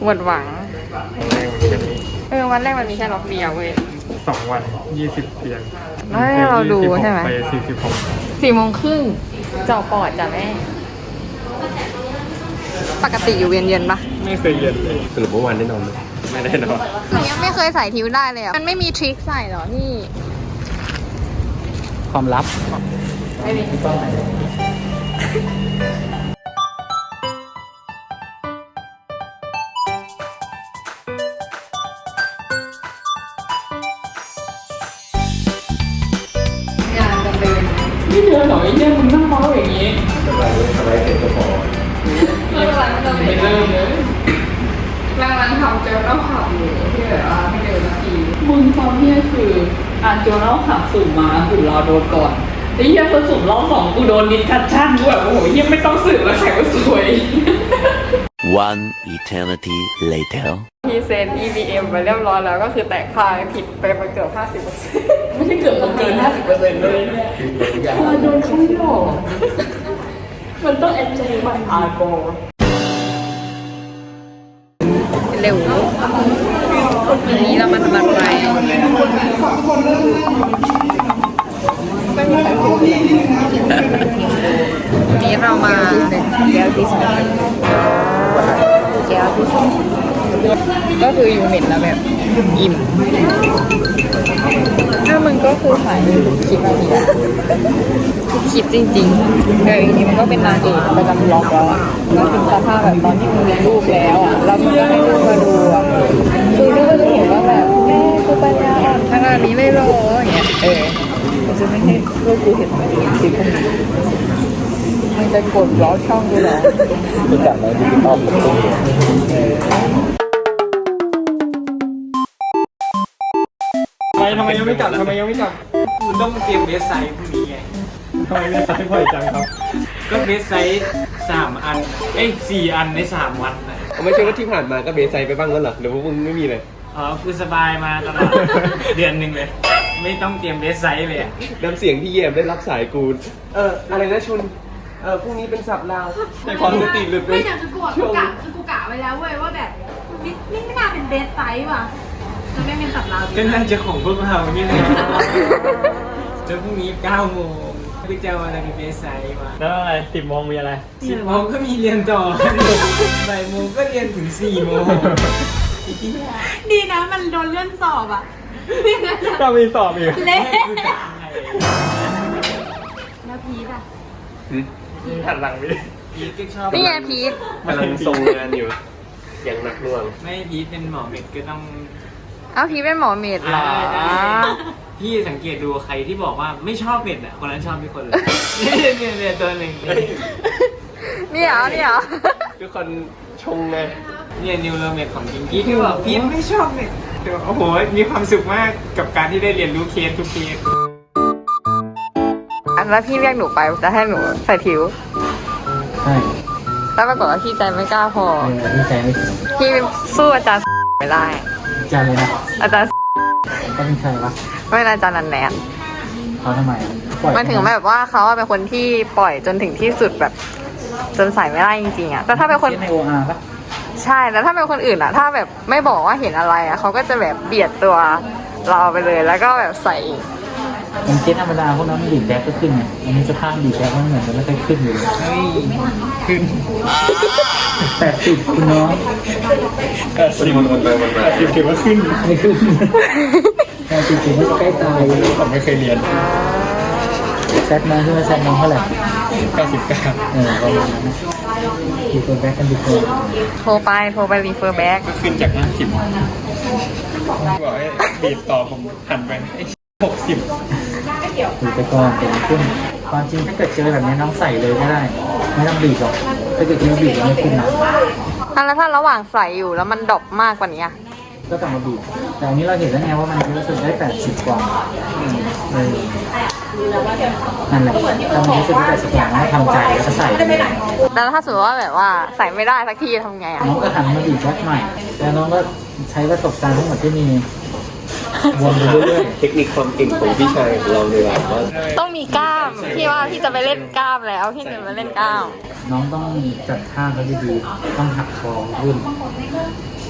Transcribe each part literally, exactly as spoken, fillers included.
หมดหวังวันแรกมันแค่นี้เออวันแรกมันมีแค่ล็อกเดียวเว้ยสองวันยี่สิบเตียงแล้วให้เราดูใช่ไหมไปสี่สิบหกสี่โมงครึ่งเจาะปอดจ้ะแม่ปกติอยู่เวียนเย็นปะไม่เคยเย็นเลยสรุปเมื่อวานได้นอนไหมไม่ได้นอนหนูยังไม่เคยใส่ทิ้วได้เลยอ่ะมันไม่มีทริคใส่หรอพี่ความลับไม่มี งานจะเป็นไม่เจอหรอไอ้เนี่ยมึงนั่งเมาอย่างนี้สบายเลยสบายเสร็จก็พอเริ่มรังจะไม่เริ่มเลยรังรังทำเจลต้องขับอยู่ที่แบบว่าไม่เร็วนาทีมึงตอนเนี้ยคืออ่านโจเล่าขับสุ่มมาสุ่มรอโดนก่อนไอ้เหี้ยพอสุ่มรอบสองกูโดนดิสคัชชั่นกูแบบโอ้โหเหี้ยไม่ต้องสืบแล้วแขกก็สวย One eternity later. พีเซน อี วี เอ็ม ไปเรียบร้อยแล้วก็คือแตกพายผิดไปมาเกือบ ห้าสิบเปอร์เซ็นต์ไม่ใช่เกือบมันเกินห้าสิบเปอร์เซ็นต์เลยเนี่ยพอโดนเขาหลอกมันต้องแอนเจลิมันอาร์โกเร็ววันนี้เรามาทำอะไรวันนี้เรามาแก้วที่สองแก้วที่สองก็คือยูนิตแล้วแบบอิ่มถ้ามึงก็คือถ่ายคลิปอะไรอ่ะคลิปจริงๆเออจริงๆมันก็เป็นนางเอกประจำบล็อกแล้วอ่ะก็ถึงสภาพแบบตอนที่มึงมีรูปแล้วอ่ะแล้วมึงก็ให้ลูกมาดูอ่ะคือลูกก็จะเห็นว่าแบบแม่กูปัญญาอ่อนขนาดนี้เลยเหรออย่างเงี้ยเออมันจะไม่ให้ลูกกูเห็นมันคลิปพวกนี้มึงจะกดบล็อกช่องกูเหรอรู้จักไหมดิจิตอลเป็นตัวไปทำไมยังไม่กลับทำไมยังไม่กลับคุณต้องเตรียมเบสไซต์พรุ่งนี้ไงทำไมไม่ใช้บ่อยจังครับก็เบสไซต์สามอัน เอ้ยสี่อันในสามวันนะไม่ใช่ว่าที่ผ่านมาก็เบสไซไปบ้างแล้วเหรอหรือว่ามึงไม่มีเลยอ๋อคือสบายมาตลอด เดือนหนึ่งเลย ไม่ต้องเตรียมเบสไซต์เลยอะน้ำเสียงที่เยี่ยมได้รับสายกูเอออะไรนะชุนเออพรุ่งนี้เป็นสับลาวในความสติหลุดไปไม่เดี๋ยวคือกูอะกูกะคือกูกะไว้แล้วเว้ยว่าแบบนี่นี่ไม่น่าเป็นเบสไซส์ว่ะจะไม่เป็นสับราวดีก็น่าจะของพวกเรานี่นะแล้วพรุ่งนี้เก้าโมงพี่จะเอาอะไรเป็นเบสไซต์มาแล้วอะไรสิบโมงมีอะไรสิบโมงก็มีเรียนต่อ บ่ายโมงก็เรียนถึงสี่โมงดีนะมันโดนเลื่อนสอบอ่ะก็มีสอบอีกเละคือจะยังไงแล้วพีทอ่ะหันหลังไปดิพีทก็ชอบนี่ไงพีทกำลังทรงงานอยู่ อย่างหนักหน่วงไม่พีทเป็นหมอเม็ดก็ต้องเอ้าพีทเป็นหมอเมดเหรอพี่สังเกตดูใครที่บอกว่าไม่ชอบเม็ดอ่ะคนนั้นชอบทุกคนเลย เนี่ยเนี่ยเนี่ยตัวหนึ่งนี่เหรอนี่เหรอทุกคนชงไงเนี่ยนิวโรเม็ดของจริงพี่ที่บอกพี่ไม่ชอบเม็ดแต่ว่าโอ้โหมีความสุขมากกับการที่ได้เรียนรู้เคสทุกเคสอันแล้วพี่เรียกหนูไปจะให้หนูใส่ทิ้วใช่แล้วปรากฏว่าพี่ใจไม่กล้าพอเออดีใจไม่ถึงพี่สู้อาจารย์ไม่ได้จานเลยนะอาจารย์ก็เป็นใครวะไม่เป็นอาจารย์นันแนนเขาทำไมปล่อยมันถึงแบบว่าเขาเป็นคนที่ปล่อยจนถึงที่สุดแบบ จนใส่ไม่ได้จริงๆอ่ะแต่ถ้าเป็นคนเล่นในโออาร์ปะใช่แล้วถ้าเป็นคนอื่นอ่ะ ถ้าแบบไม่บอกว่าเห็นอะไรอ่ะเขาก็จะแบบเบียดตัวเราไปเลยแล้วก็แบบใส่มันเก็ตธรรมดาพวกนั้นมันดีดแบ็กก็ขึ้นไงอันนี้สภาพดีดแบ็กมันเหมือนจะไม่ค่อยขึ้นเลยเฮ้ยขึ้นแปดสิบคุณน้องแปดสิบมันไปมันมาแปดสิบถือว่าขึ้นไม่ขึ้นแปดสิบถึงไม่ใกล้ตายผมไม่เคยเรียนแซดน้องขึ้นมาแซดน้องเท่าไหร่เก้าสิบเก้าเออประมาณนั้นนะดีตัวแบ็กกันดีกว่าโทรไปโทรไปรีเฟอร์แบ็กก็ขึ้นจากห้าสิบบอกให้บีบต่อผมหันไปหกสิบดูไปก่อนเป็นขึ้นความจริงถ้าเกิดเจอแบบนี้น้องใส่เลยก็ได้ ไม่ต้องบีบหรอกถ้าเกิดคิดว่าบีบแล้วไม่ขึ้นนะอ่ะแล้วถ้าระหว่างใส่อยู่แล้วมันดรอปมากกว่านี้อ่ะก็กลับมาบีบแต่อันนี้เราเห็นแล้วไงว่ามันรู้สึกได้แปดสิบกว่าเออนั่นแหละถ้ามันรู้สึกได้แปดสิบกว่าเราทำใจแล้วก็ใส่ไปเลยแล้วถ้าสมมติว่าแบบว่าใส่ไม่ได้สักทีทำไงอ่ะน้องก็หันมาบีบแบ็คใหม่แล้วน้องก็ใช้ประสบการณ์ทั้งหมดที่มีวนไปเรื่อยเทคนิคความเก่งของพี่ชายของเราเลยว่าว่าต้องมีกล้ามพี่ว่าพี่จะไปเล่นกล้ามแล้วพี่จะไปเล่นกล้ามๆน้องต้องจัดท่าเขาดีๆต้องหักคอขึ้น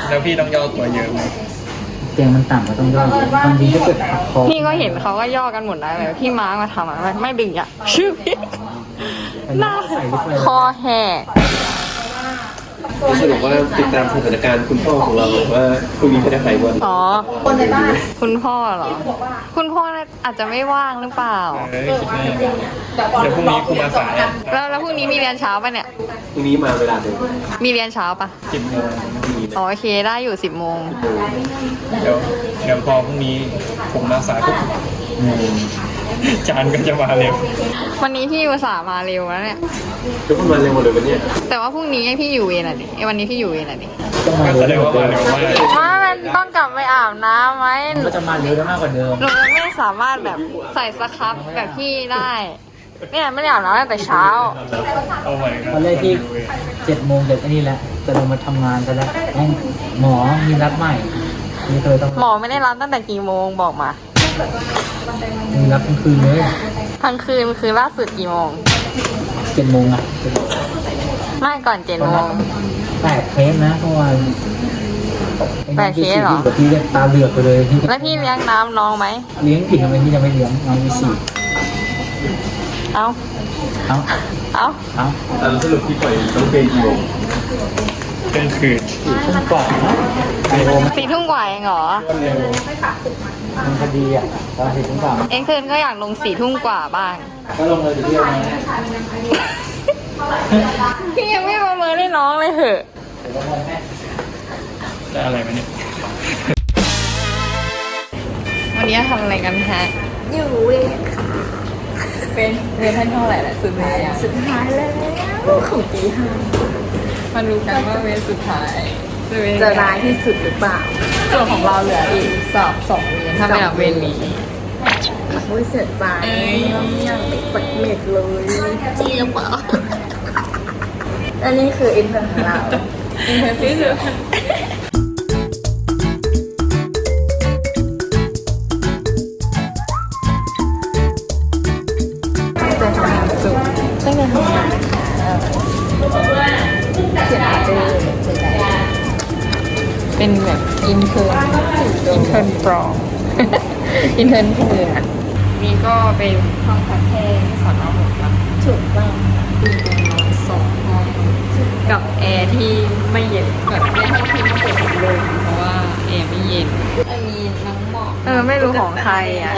แล้วพี่ต้องย่อตัวเยอะไหมเตียงมันต่ำก็ต้องย่อเลยบางทีถ้าเกิดหักคอพี่ก็เห็นเขาก็ย่อกันหมดแล้วแบบพี่ม้ามาทำอะไม่ดึงอ่ะชื่อพี่หน้าใส่ลิปเลยคอแหกสรุปว่าติดตามสถานการณ์คุณพ่อของเราว่าพรุ่งนี้จะได้ไปวันอ๋อคนในบ้านคุณพ่อเหรอ คุณพ่ออาจจะไม่ว่างหรือเปล่าเอ้ยคิดแน่เดี๋ยวพรุ่งนี้ครูมาสายแล้วแล้วพรุ่งนี้มีเรียนเช้าปะเนี่ยพรุ่งนี้มาเวลาเดิมมีเรียนเช้าปะสิบโมงอ๋อโอเคได้อยู่สิบโมงเดี๋ยวเดี๋ยวพอพรุ่งนี้ผมมาสายปุ๊บอืมจานก็จะมาเร็ววันนี้พี่อุตส่าห์มาเร็วแล้วเนี่ยทุกคนมาเร็วหมดเลยวันเนี้ยแต่ว่าพรุ่งนี้ให้พี่อยู่เวรอ่ะดิไอ้วันนี้พี่อยู่เวรอ่ะดิต้องมาก็เร็แสวดงมากว่ากว่ามาเดิมเร็วมากว่ามันต้องกลับไปอาบน้ำไหมก็จะมาเร็วได้มากกว่าเดิมหนูยังไม่สามารถแบบใส่สครับแบบพี่ได้เนี่ยไม่ได้อาบน้ำตั้งแต่เช้าโอ้ my god ตอนแรกที่เจ็ดโมงเด็กอันนี้แหละจะลงมาทำงานกันแล้วแม่งหมอมีรับใหม่นี่เคยต้องหมอไม่ได้รับตั้งแต่กี่โมงบอกมามีรับทั้งคืนเลยทั้งคืนคือล่าสุดกี่โมงเจ็ดโมงอ่ะไม่ก่อนเจ็ดโมงแปดเคสนะเพราะว่าแปดเคสเหรอกับพี่ตาเหลือกไปเลยที่แล้วพี่เลี้ยงน้ำน้องไหมเลี้ยงผิดทำไมพี่จะไม่เลี้ยงน้องมีสี่เอาเอ้าเอาเอ้าอ่ะแล้วสรุปพี่ปล่อยต้องเป็นกี่โมงเที่ยงคืนทุ่มกว่าไอโอมันสี่ทุ่มกว่าเองเหรอมันคดีอ่ะตอนสี่ทุ่มกว่าเอ็งคืนก็อยากลงสี่ทุ่มกว่าบ้างก็ลงเลยเที่ยวนะพี่ยังไม่ประเมินให้น้องเลยเหอะได้อะไรไหมเนี่ยวันนี้ทำอะไรกันฮะอยู่เวรค่ะเป็นเรียนท่านเท่าไหร่ละสุดท้ายอะสุดท้ายแล้วของปีห้ามาดูกันว่าเวรสุดท้ายจะเป็นยังไงจะร้ายที่สุดหรือเปล่าส่วนของเราเหลืออีกสอบสองเวรถ้าไม่นับเวรนี้โอ้ยเสียใจเราไม่อยากไปฝึกเม็ดเลยจริงหรือเปล่าอันนี้คืออินเทอร์ของเราอินเทอร์ซิสจะทำงานสุดตั้งแต่ทำงานเขียนอาร์ตเลยเป็นแบบอินเทอร์อินเทอร์ปลอมอินเทอร์เถื่อนนี่ก็เป็นห้องพักแค่ที่สอนอหกนะถูกต้องคือเป็นนอนสองห้องกับแอร์ที่ไม่เย็นแบบไม่ให้พี่ไม่เปิดพัดลมเพราะว่าแอร์ไม่เย็นมีน้องหมอกเออไม่รู้ของใครอ่ะ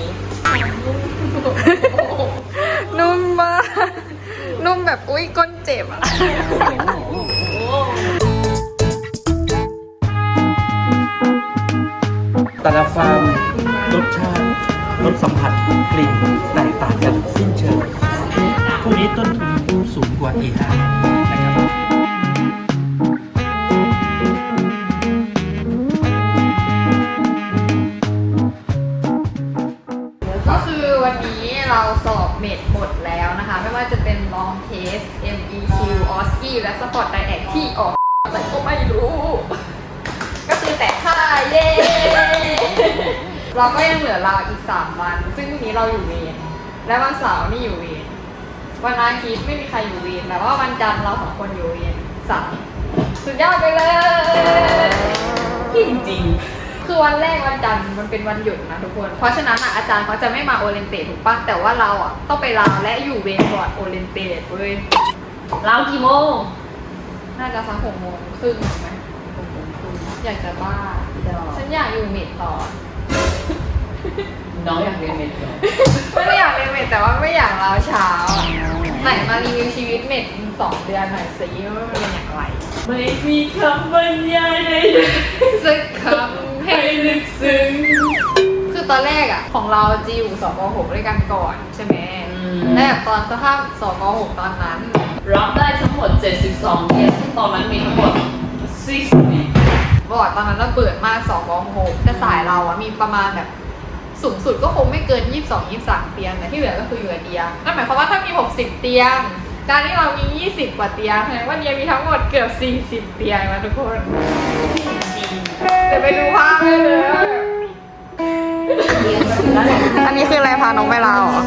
นุ่มมากนุ่มแบบอุ้ยก้นเจ็บอ่ะแต่ละฟาร์มรสชาติรสสัมผัสกลิ่นแตกต่างกันสิ้นเชิงพวกนี้ต้นทุนสูงกว่า เอ ห้า นะครับก็คือวันนี้เราสอบเมดหมดแล้วนะคะ ไม่ว่าจะเป็น long test เอ็ม อี คิว ออสกี้ และ sport direct ที่ออกอะไรก็ไม่รู้ ก็คือแต่ค่าเย้ เราก็ยังเหลือเราอีกสามวัน ซึ่งพรุ่งนี้เราอยู่เวรและวันเสาร์นี่อยู่เวรวันอาทิตย์ไม่มีใครอยู่เวรแต่ว่าวันจันทร์เราสองคนอยู่เวรสามสุดยอดไปเลยจริงๆคือวันแรกวันจันทร์มันเป็นวันหยุดนะทุกคน เพราะฉะนั้นอ่ะอาจารย์เขาจะไม่มาโอเรนเตทถูกปะแต่ว่าเราอ่ะต้องไปลาและอยู่เวรก่อนโอเรนเตทเว้ยเรากี่โมงน่าจะสักหกโมงครึ่งไหมหกโมงครึ่งอยากจะบ้า ฉันอยากอยู่เมดต่อน้องอยากเรียนเมดเหรอไม่ได้อยากเรียนเมดแต่ว่าไม่อยากลาเช้าอะไหนมารีวิวชีวิตเมดสองเดือนหน่อยสิว่ามันเป็นอย่างไรไม่มีคำบรรยายใดสักคำให้ลึกซึ้งคือตอนแรกอ่ะ ของเราจะอยู่สกหกด้วยกันก่อนใช่ไหมและแบบตอนสภาพสกหกตอนนั้นรับได้ทั้งหมดเจ็ดสิบสองเคสซึ่งตอนนั้นมีทั้งหมดสี่สิบบอร์ดตอนนั้นเราเปิดมากสกหกแต่สายเราอ่ะมีประมาณแบบสูงสุดก็คงไม่เกินยี่สิบสอง ยี่สิบสามเตียงแต่ที่เหลือก็คืออยู่กับเตียงนั่นหมายความว่าถ้ามีหกสิบเตียงการที่เรามียี่สิบกว่าเตียงแสดงว่าเดียมีทั้งหมดเกือบสี่สิบเตียงนะทุกคนเดี๋ยวไปดูภาพได้เลยอันนี้คืออะไรพาน้องไปลาวเหรอ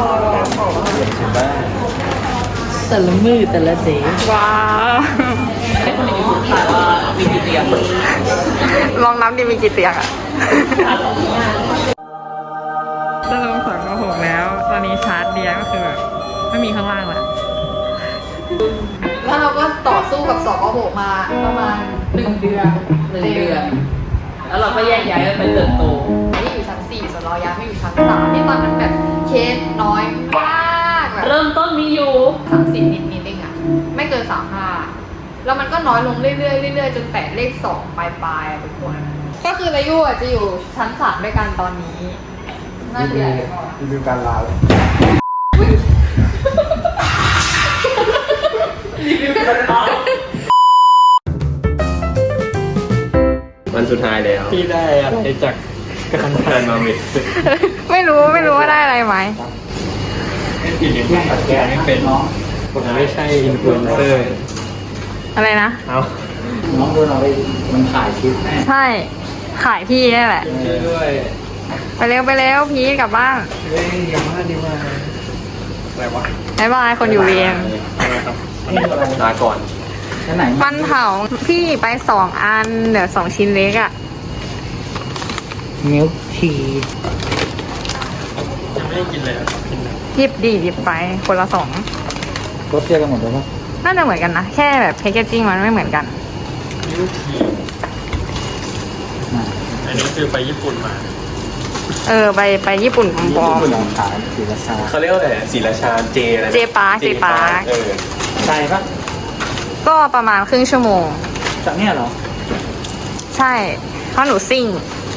แต่ละมือแต่ละเดย์ว้าวงลองนับดิมีกี่เตียงอะจะลงสองกหกแล้ว ตอนนี้ชาร์จเดียก็คือแบบไม่มีข้างล่างแล้วแล้วเราก็ต่อสู้กับสองกหกมาประมาณหนึ่งเดือนหนึ่งเดือน แล้วเราก็แยกย้ายกันไปเติบโตที่อยู่ชั้นสี่ส่วนเราย้ายไปอยู่ชั้นสามที่ตอนนั้นแบบเคสน้อยมากแบบเริ่มต้นมีอยู่สามสิบนิดนิดเองอะไม่เกินสามห้าแล้วมันก็น้อยลงเรื่อยๆเรื่อยๆจนแตะเลขสองปลายๆอะทุกคนก็คือรายุอะจะอยู่ชั้นสามด้วยกันตอนนี้น่าจะใหญ่กว่ารีวิวการลาเลย วันสุดท้ายแล้วพี่ได้อะไรจากการทานมาเม็ดไม่รู้ไม่รู้ว่าได้อะไรไหมไม่ผิดอย่างที่ตัดแกไม่เป็นผมไม่ใช่อินฟลูเอนเซอร์อะไรนะเอาน้องโดนเอาไปมันถ่ายคลิปแน่ใช่ขายพี่นี่แหละช่วยด้วยไปเร็วไปเร็วพีทกลับบ้านเฮ้ยอย่ามาดีมาอะไรวะบ๊ายบายคนอยู่เวียนอะไรครับลาก่อนชั้นไหนมันเผาพี่ไปสองอันเดี๋ยวสองชิ้นเล็กอะมิลทียังไม่ได้กินเลยอ่ะกินนะหยิบดีหยิบไปคนละสองรถเทียบกันหมดเลยปะน่าจะเหมือนกันนะ แค่แบบแพคเกจจิ้งมันไม่เหมือนกันมิลทีอันนี้คือไปญี่ปุ่นมาเออ ไปไปญี่ปุ่นปลอมหนองขายศรีราชาเขาเรียกว่าอะไรศรีราชาเจอะไรนะเจปาร์คเจปาร์คเออใช่ปะๆก็ประมาณครึ่งชั่วโมงจากเนี่ยเหรอใช่เพราะหนูซิ่ง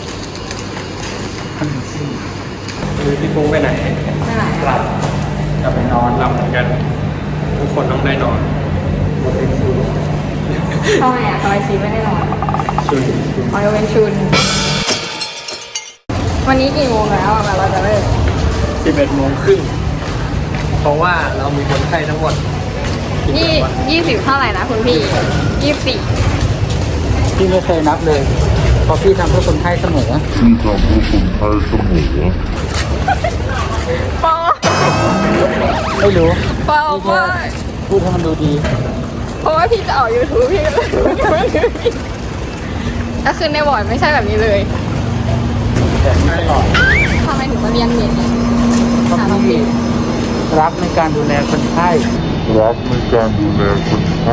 คือพี่ปุ้งไปไหนไม่ไหนกลับกลับไปนอนหลับเหมือนกัน ทุกคนต้องได้นอนทำไมอะทำไมชีไม่ได้นอนชุนออยเวนชุน วันนี้กี่โมงแล้วอะเราจะเลิกสิบเอ็ดโมงครึ่งเพราะว่าเรามีคนไข้ทั้งหมดยี่ยี่สิบเท่าไหร่นะคุณพี่ยี่สิบสี่พี่ไม่เคยนับเลยเพราะพี่ทำเพื่อคนไข้เสมอปอไม่รู้ปอพี่ว่าแค่พูดให้มันดูดีเพราะว่าพี่จะออกยูทูบพี่ก็เลยก็คือในบอร์ดไม่ใช่แบบนี้เลยแต่ไม่ตลอดทำไมถึงมาเรียนเน็ตเนี่ยเพราะพี่รักในการดูแลคนไข้รักในการดูแลคนไข้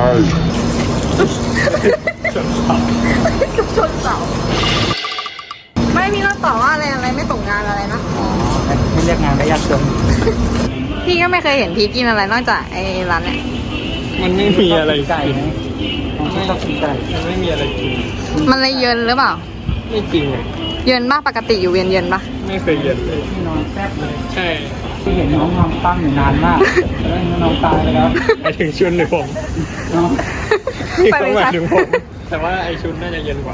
กับชนเสาไม่พี่ต้องตอบว่าอะไรอะไรไม่ตกงานอะไรนะอ๋อไม่เรียกงานก็ยากจนพี่ก็ไม่เคยเห็นพีทกินอะไรนอกจากไอ้ร้านเนี่ยมันไม่มีอะไรไก่ไหมน้องไม่ชอบกินไก่มันไม่มีอะไรกินมันเลยเยินหรือเปล่าไม่จริงเลยเยินมากปกติอยู่เวียนเยินปะไม่เคยเย็นเลยพี่นอนแซ่บเลยใช่พี่เห็นน้องนอนปั้งอยู่นานมากแล้วน้องตายไปแล้วไปถึงชุนหรือผมน้องนี่เขาหมายถึงผม แต่ว่าไอชุนน่าจะเย็นกว่า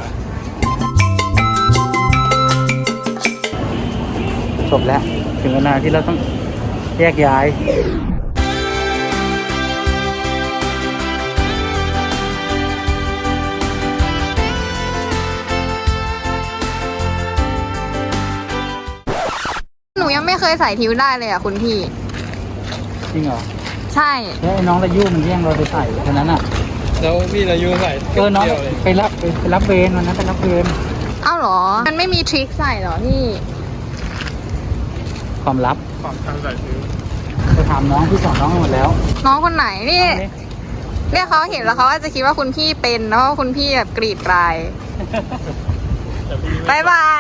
จบแล้ว ถึงเวลาที่เราต้องแยกย้ายหนูยังไม่เคยใส่ทิวได้เลยอ่ะคุณพี่จริงเหรอใช่แล้วไอ้น้องระยุ่มันแย่งเราไปใส่แค่นั้นอ่ะแล้วพี่รายุใส่เออน้องเดียวเลยไปรับไปไปรับเวรวันนั้นไปรับเวรเอ้าเหรอ มันไม่มีทริคใส่เหรอพี่ความลับความทางใส่ซื้อไปถามน้องที่สอนน้องหมดแล้วน้องคนไหนนี่เนี่ยเขาเห็นแล้วเขาอาจจะคิดว่าคุณพี่เป็นเพราะว่าคุณพี่แบบกรีดกรายแต่พี่ไม่บายบาย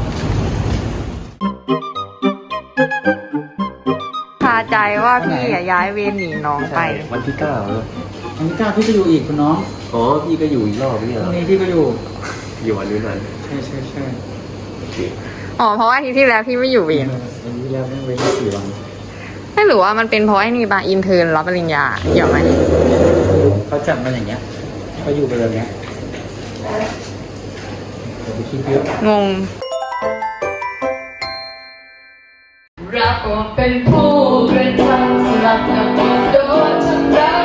คาใจว่าพี่อะย้ายเวรหนีน้องไปวันที่เก้าอันนี้ก้าวพี่ก็อยู่อีกคุณน้องอ๋อ พี่ก็อยู่อีกรอบนี่ตเหรรองนี้พี่ก็อยู่อยู่วันนี้นั้นใช่ใช่ใช่อ๋อ เพราะว่าอาที่ที่แล้วพี่ไม่อยู่เวรอันนี้แล้วไม่เว้นแค่สี่วันไม่รู้ว่ามันเป็นเพราะไอ้นี่บาอินเทอร์นรับปริญญาเกี่ยวไหมเขาจัดมาอย่างเงี้ยเขาอยู่ไปแบบเนี้ยเดี๋ยวไปคิดเยอะงงรักว่าเป็นผู้กระทำสลับกับโดนทำร้าย